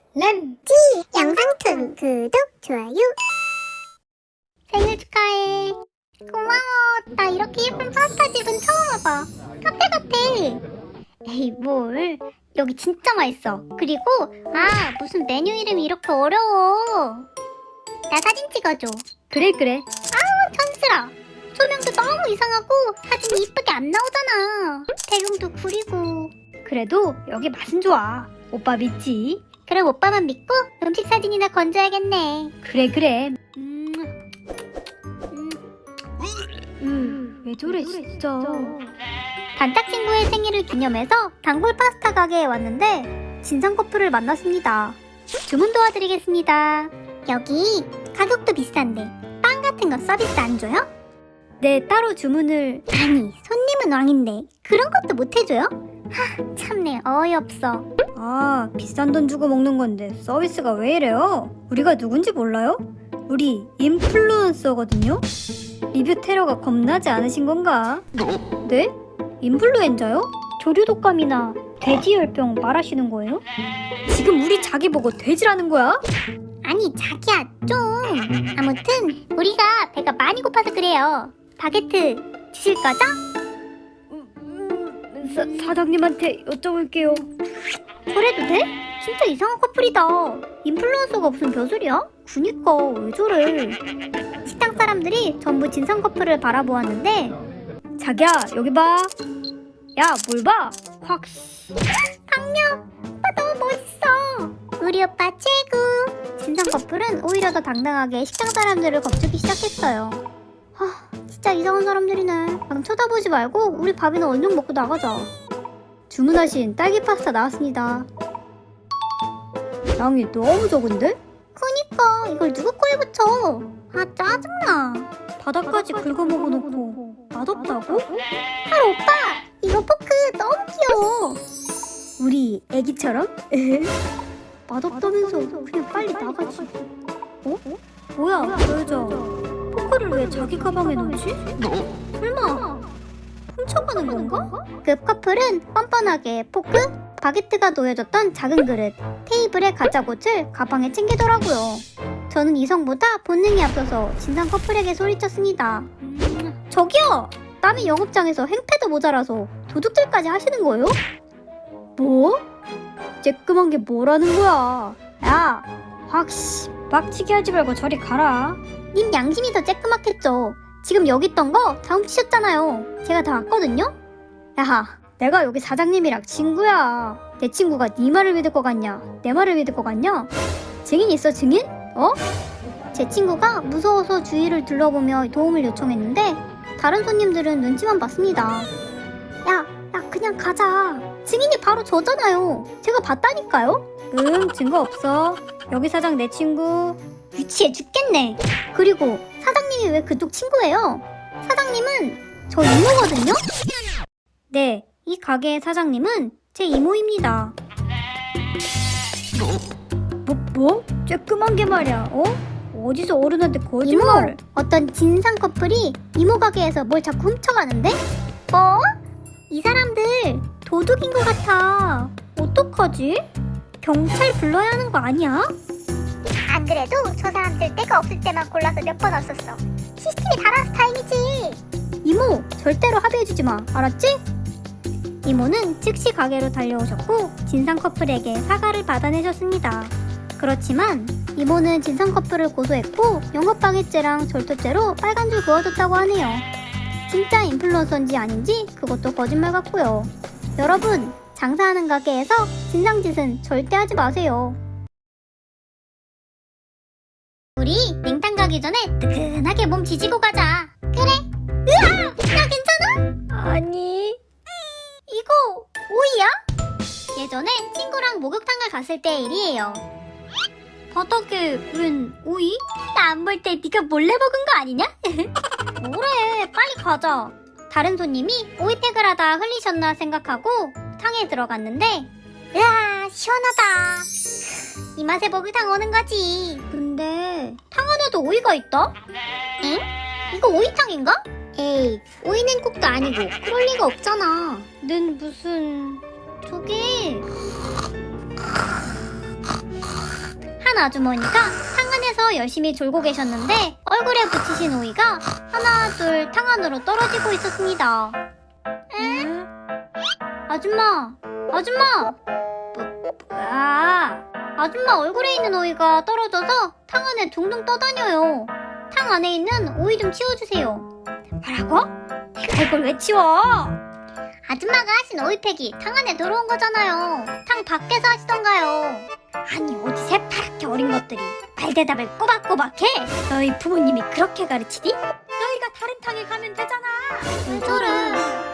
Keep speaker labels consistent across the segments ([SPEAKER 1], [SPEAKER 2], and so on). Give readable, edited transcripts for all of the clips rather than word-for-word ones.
[SPEAKER 1] 램지 영상툰 구독, 좋아요. 생일 축하해. 고마워. 나 이렇게 예쁜 파스타 집은 처음 와봐. 카페 같아. 에이 뭘, 여기 진짜 맛있어. 그리고 무슨 메뉴 이름이 이렇게 어려워. 나 사진 찍어줘.
[SPEAKER 2] 그래.
[SPEAKER 1] 천스라. 조명도 너무 이상하고 사진이 이쁘게 안 나오잖아. 배경도 구리고.
[SPEAKER 2] 그래도 여기 맛은 좋아. 오빠 믿지?
[SPEAKER 1] 그럼 오빠만 믿고 음식 사진이나 건져야겠네.
[SPEAKER 2] 그래. 왜 저래 진짜.
[SPEAKER 1] 단짝 친구의 생일을 기념해서 단골 파스타 가게에 왔는데 진상 커플을 만났습니다. 주문 도와드리겠습니다. 여기 가격도 비싼데 빵 같은 거 서비스 안 줘요?
[SPEAKER 2] 네, 따로 주문을.
[SPEAKER 1] 아니, 손님은 왕인데 그런 것도 못 해줘요? 참네, 어이없어.
[SPEAKER 2] 비싼 돈 주고 먹는 건데 서비스가 왜 이래요? 우리가 누군지 몰라요? 우리 인플루언서거든요? 리뷰 테러가 겁나지 않으신 건가? 네? 인플루엔자요? 조류독감이나 돼지열병 말하시는 거예요? 지금 우리 자기 보고 돼지라는 거야?
[SPEAKER 1] 아니, 자기야, 좀. 아무튼 우리가 배가 많이 고파서 그래요. 바게트 주실 거죠?
[SPEAKER 2] 사장님한테 여쭤볼게요.
[SPEAKER 1] 그래도 돼? 진짜 이상한 커플이다. 인플루언서가 무슨 벼슬이야? 그니까 왜 저래. 식당 사람들이 전부 진상 커플을 바라보았는데
[SPEAKER 2] 자기야, 여기 봐. 야, 뭘 봐? 확.
[SPEAKER 1] 강력! 오빠 너무 멋있어. 우리 오빠 최고. 진상 커플은 오히려 더 당당하게 식당 사람들을 겁주기 시작했어요. 진짜 이상한 사람들이네. 그냥 쳐다보지 말고 우리 밥이나 얼른 먹고 나가자.
[SPEAKER 2] 주문하신 딸기 파스타 나왔습니다. 양이 너무 적은데?
[SPEAKER 1] 그니까 이걸 누구 코에 붙여. 짜증나.
[SPEAKER 2] 바닥까지 긁어먹어놓고 맛없다고?
[SPEAKER 1] 오빠, 이거 포크 너무 귀여워.
[SPEAKER 2] 우리 애기처럼? 맛없다면서 그냥 빨리 나가지. 뭐야, 저 여자 포크를 왜 자기 가방에 넣지? 설마 훔쳐가는 건가?
[SPEAKER 1] 그 커플은 뻔뻔하게 포크, 바게트가 놓여졌던 작은 그릇, 테이블에 가짜꽃을 가방에 챙기더라고요. 저는 이성보다 본능이 앞서서 진상 커플에게 소리쳤습니다. 저기요! 남의 영업장에서 행패도 모자라서 도둑질까지 하시는 거예요?
[SPEAKER 2] 뭐? 쬐끄만 게 뭐라는 거야? 야, 확씨 빡치게 하지 말고 저리 가라.
[SPEAKER 1] 님 양심이 더 쬐끄맣겠죠. 지금 여기 있던 거 다 훔치셨잖아요. 제가 다 왔거든요?
[SPEAKER 2] 야, 내가 여기 사장님이랑 친구야. 내 친구가 네 말을 믿을 것 같냐? 내 말을 믿을 것 같냐? 증인 있어, 증인?
[SPEAKER 1] 제 친구가 무서워서 주위를 둘러보며 도움을 요청했는데 다른 손님들은 눈치만 봤습니다. 야, 그냥 가자. 증인이 바로 저잖아요. 제가 봤다니까요?
[SPEAKER 2] 증거 없어. 여기 사장 내 친구.
[SPEAKER 1] 유치해 죽겠네. 그리고 사장님이 왜 그쪽 친구예요? 사장님은 저 이모거든요?
[SPEAKER 2] 네, 이 가게의 사장님은 제 이모입니다. 뭐? 쬐끄만 게 말이야, 어디서 어른한테 거짓말을.
[SPEAKER 1] 어떤 진상 커플이 이모 가게에서 뭘 자꾸 훔쳐가는데? 뭐? 이 사람들 도둑인 것 같아.
[SPEAKER 2] 어떡하지? 경찰 불러야 하는 거 아니야?
[SPEAKER 1] 안 그래도 저 사람들 때가 없을 때만 골라서 몇 번 왔었어. 시스템이 달아서 다행이지.
[SPEAKER 2] 이모, 절대로 합의해주지 마, 알았지?
[SPEAKER 1] 이모는 즉시 가게로 달려오셨고 진상 커플에게 사과를 받아내셨습니다. 그렇지만 이모는 진상 커플을 고소했고 영업방해죄랑 절도죄로 빨간 줄 그어줬다고 하네요. 진짜 인플루언서인지 아닌지 그것도 거짓말 같고요. 여러분, 장사하는 가게에서 진상짓은 절대 하지 마세요. 우리 냉탕 가기 전에 뜨끈하게 몸 지지고 가자. 그래. 으아! 나 괜찮아?
[SPEAKER 2] 아니.
[SPEAKER 1] 이거 오이야? 예전에 친구랑 목욕탕을 갔을 때의 일이에요.
[SPEAKER 2] 바닥에 웬 오이?
[SPEAKER 1] 나 안 볼 때 네가 몰래 먹은 거 아니냐? 뭐래, 빨리 가자. 다른 손님이 오이팩을 하다 흘리셨나 생각하고 탕에 들어갔는데 으아, 시원하다. 이 맛에 목욕탕 오는 거지.
[SPEAKER 2] 근데
[SPEAKER 1] 탕 안에도 오이가 있다? 응? 이거 오이탕인가? 에이, 오이 냉국도 아니고 그럴 리가 없잖아.
[SPEAKER 2] 는 무슨
[SPEAKER 1] 저게 아주머니가 탕 안에서 열심히 졸고 계셨는데 얼굴에 붙이신 오이가 하나 둘 탕 안으로 떨어지고 있었습니다. 에? 아줌마! 뭐야? 아줌마 얼굴에 있는 오이가 떨어져서 탕 안에 둥둥 떠다녀요. 탕 안에 있는 오이 좀 치워주세요.
[SPEAKER 2] 뭐라고? 내가 이걸 왜 치워?
[SPEAKER 1] 아줌마가 하신 오이팩이 탕 안에 들어온 거잖아요. 탕 밖에서 하시던가요.
[SPEAKER 2] 아니 어디 새파랗게 어린 것들이 말대답을 꼬박꼬박 해? 너희 부모님이 그렇게 가르치니? 너희가 다른 탕에 가면 되잖아.
[SPEAKER 1] 왜 저래?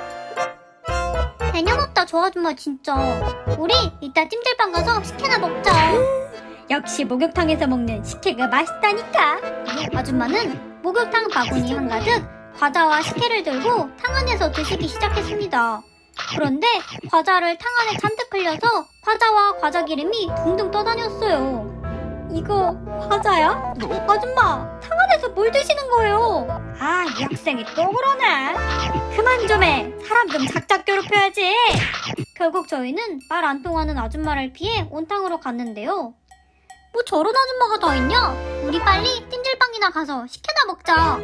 [SPEAKER 1] 개념 없다 저 아줌마 진짜. 우리 이따 찜질방 가서 식혜나 먹자.
[SPEAKER 2] 역시 목욕탕에서 먹는 식혜가 맛있다니까.
[SPEAKER 1] 아줌마는 목욕탕 바구니 한가득 과자와 식혜를 들고 탕 안에서 드시기 시작했습니다. 그런데 과자를 탕 안에 잔뜩 흘려서 과자와 과자 기름이 둥둥 떠다녔어요.
[SPEAKER 2] 이거 과자야? 아줌마 탕 안에서 뭘 드시는 거예요? 아, 이 학생이 또 그러네. 그만 좀 해. 사람 좀 작작 괴롭혀야지.
[SPEAKER 1] 결국 저희는 말 안 통하는 아줌마를 피해 온탕으로 갔는데요. 뭐 저런 아줌마가 다 있냐? 우리 빨리 찜질방이나 가서 식혜나 먹자.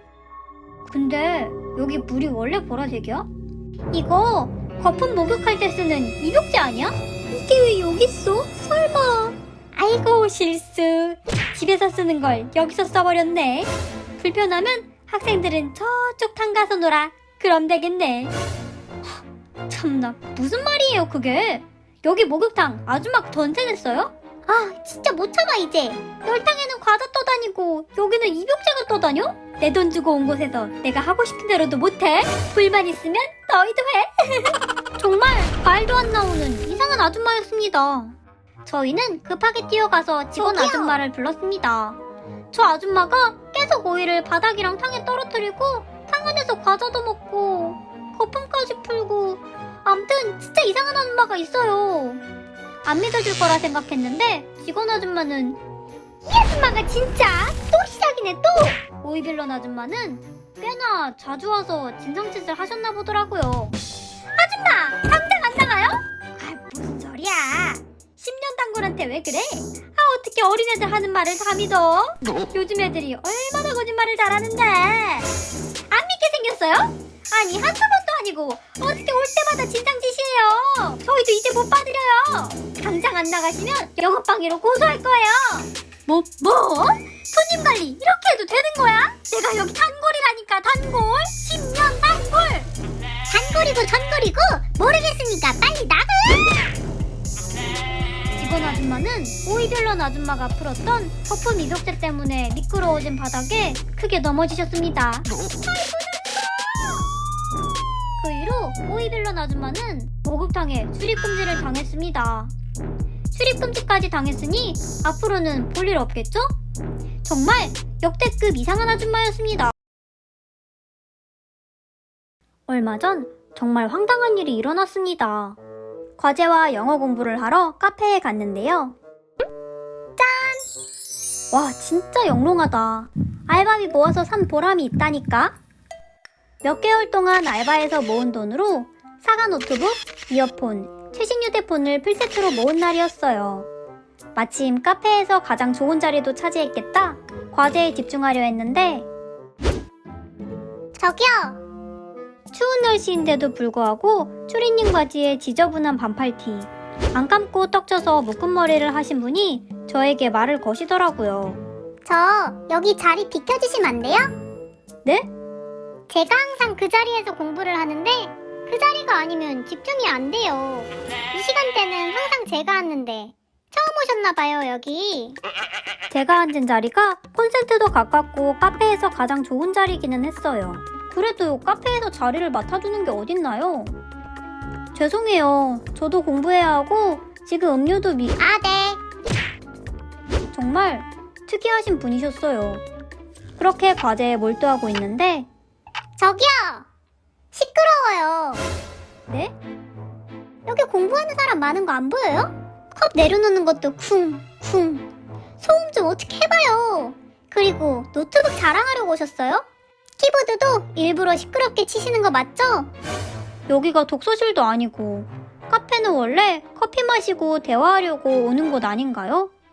[SPEAKER 1] 근데 여기 물이 원래 보라색이야? 이거 거품 목욕할 때 쓰는 입욕제 아니야?
[SPEAKER 2] 이게 왜 여기 있어? 설마. 아이고 실수. 집에서 쓰는 걸 여기서 써버렸네. 불편하면 학생들은 저쪽 탕 가서 놀아. 그럼 되겠네.
[SPEAKER 1] 참나 무슨 말이에요 그게? 여기 목욕탕 아줌마가 전세 냈어요? 아 진짜 못 참아 이제. 열탕에는 과자 떠다니고 여기는 입욕제가 떠다녀?
[SPEAKER 2] 내 돈 주고 온 곳에서 내가 하고 싶은 대로도 못해? 불만 있으면 너희도 해.
[SPEAKER 1] 정말 말도 안 나오는 이상한 아줌마였습니다. 저희는 급하게 뛰어가서 직원
[SPEAKER 2] 저기요.
[SPEAKER 1] 아줌마를 불렀습니다. 저 아줌마가 계속 오이를 바닥이랑 탕에 떨어뜨리고 탕 안에서 과자도 먹고 거품까지 풀고 암튼 진짜 이상한 아줌마가 있어요. 안 믿어줄 거라 생각했는데 직원 아줌마는 이 아줌마가 진짜 또 시작이네 또! 오이빌런 아줌마는 꽤나 자주 와서 진상짓을 하셨나 보더라고요. 아줌마! 당장 안 나가요?
[SPEAKER 2] 아, 무슨 소리야. 10년 단골한테 왜 그래? 아, 어떻게 어린애들 하는 말을 다 믿어? 요즘 애들이 얼마나 거짓말을 잘하는데. 안 믿게 생겼어요? 아니 한두 번도 아니고 어떻게 올 때마다 진상짓이에요. 저희도 이제 못 받으려요. 당장 안 나가시면 영업방해로 고소할 거예요.
[SPEAKER 1] 뭐? 손님 관리 이렇게 해도 되는 거야? 내가 여기 단골이라니까 단골! 10년 단골! 단골이고 전골이고 모르겠으니까 빨리 나가! 직원 아줌마는 오이별런 아줌마가 풀었던 거품 입욕제 때문에 미끄러워진 바닥에 크게 넘어지셨습니다. 그 이후 오이별런 아줌마는 목욕탕에 출입금지를 당했습니다. 출입금지까지 당했으니 앞으로는 볼 일 없겠죠? 정말 역대급 이상한 아줌마였습니다. 얼마 전 정말 황당한 일이 일어났습니다. 과제와 영어 공부를 하러 카페에 갔는데요. 짠! 와 진짜 영롱하다. 알바비 모아서 산 보람이 있다니까? 몇 개월 동안 알바해서 모은 돈으로 사과 노트북, 이어폰, 최신 휴대폰을 풀세트로 모은 날이었어요. 마침 카페에서 가장 좋은 자리도 차지했겠다 과제에 집중하려 했는데 저기요! 추운 날씨인데도 불구하고 추리닝 바지에 지저분한 반팔티, 안 감고 떡져서 묶은 머리를 하신 분이 저에게 말을 거시더라고요. 저 여기 자리 비켜주시면 안 돼요? 네? 제가 항상 그 자리에서 공부를 하는데 그 자리가 아니면 집중이 안 돼요. 이 시간대는 항상 제가 앉는데 처음 오셨나봐요 여기. 제가 앉은 자리가 콘센트도 가깝고 카페에서 가장 좋은 자리기는 했어요. 그래도 카페에서 자리를 맡아주는 게 어딨나요? 죄송해요. 저도 공부해야 하고 지금 음료도 아 네. 정말 특이하신 분이셨어요. 그렇게 과제에 몰두하고 있는데 저기요! 시끄러워요. 네? 여기 공부하는 사람 많은 거 안 보여요? 컵 내려놓는 것도 쿵쿵. 소음 좀 어떻게 해봐요. 그리고 노트북 자랑하려고 오셨어요? 키보드도 일부러 시끄럽게 치시는 거 맞죠? 여기가 독서실도 아니고 카페는 원래 커피 마시고 대화하려고 오는 곳 아닌가요?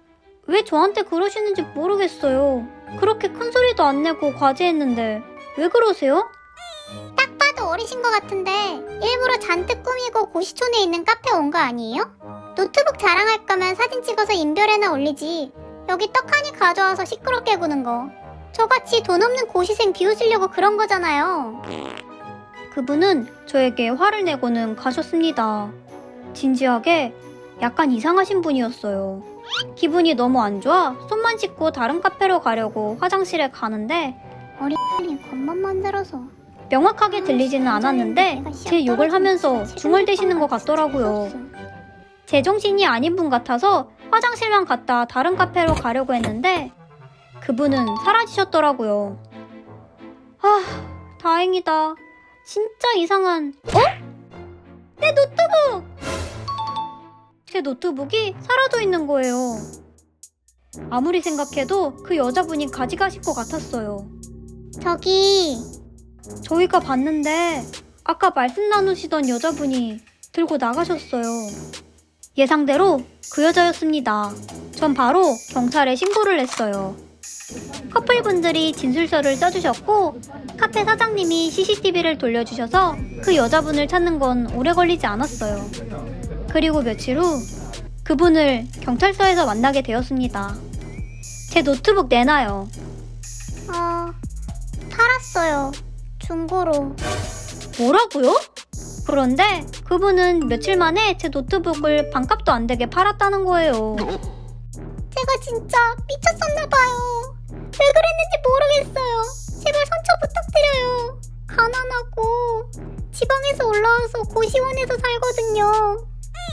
[SPEAKER 2] 왜 저한테 그러시는지 모르겠어요. 그렇게 큰 소리도 안 내고 과제했는데 왜 그러세요?
[SPEAKER 1] 딱 봐도 어리신 것 같은데 일부러 잔뜩 꾸미고 고시촌에 있는 카페 온 거 아니에요? 노트북 자랑할 거면 사진 찍어서 인별에나 올리지. 여기 떡하니 가져와서 시끄럽게 구는 거. 저같이 돈 없는 고시생 비웃으려고 그런 거잖아요.
[SPEAKER 2] 그분은 저에게 화를 내고는 가셨습니다. 진지하게 약간 이상하신 분이었어요. 기분이 너무 안 좋아 손만 씻고 다른 카페로 가려고 화장실에 가는데
[SPEAKER 1] 어린이 겉만 만들어서.
[SPEAKER 2] 명확하게 들리지는 않았는데 제 욕을 하면서 중얼대시는 것 같더라고요. 제정신이 아닌 분 같아서 화장실만 갔다 다른 카페로 가려고 했는데 그분은 사라지셨더라고요. 아, 다행이다. 진짜 이상한... 내 노트북! 제 노트북이 사라져 있는 거예요. 아무리 생각해도 그 여자분이 가져가실 것 같았어요.
[SPEAKER 1] 저기
[SPEAKER 2] 저희가 봤는데 아까 말씀 나누시던 여자분이 들고 나가셨어요. 예상대로 그 여자였습니다. 전 바로 경찰에 신고를 했어요. 커플분들이 진술서를 써주셨고 카페 사장님이 CCTV를 돌려주셔서 그 여자분을 찾는 건 오래 걸리지 않았어요. 그리고 며칠 후 그분을 경찰서에서 만나게 되었습니다. 제 노트북 내놔요.
[SPEAKER 1] 팔았어요. 중고로.
[SPEAKER 2] 뭐라고요? 그런데 그분은 며칠 만에 제 노트북을 반값도 안 되게 팔았다는 거예요.
[SPEAKER 1] 제가 진짜 미쳤었나봐요. 왜 그랬는지 모르겠어요. 제발 선처 부탁드려요. 가난하고 지방에서 올라와서 고시원에서 살거든요.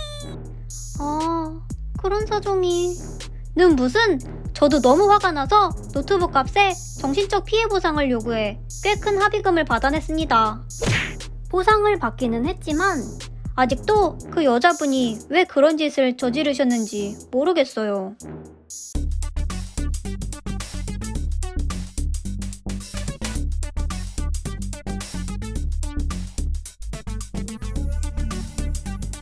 [SPEAKER 2] 아, 그런 사정이... 는 무슨... 저도 너무 화가 나서 노트북 값에 정신적 피해 보상을 요구해 꽤 큰 합의금을 받아냈습니다. 보상을 받기는 했지만 아직도 그 여자분이 왜 그런 짓을 저지르셨는지 모르겠어요.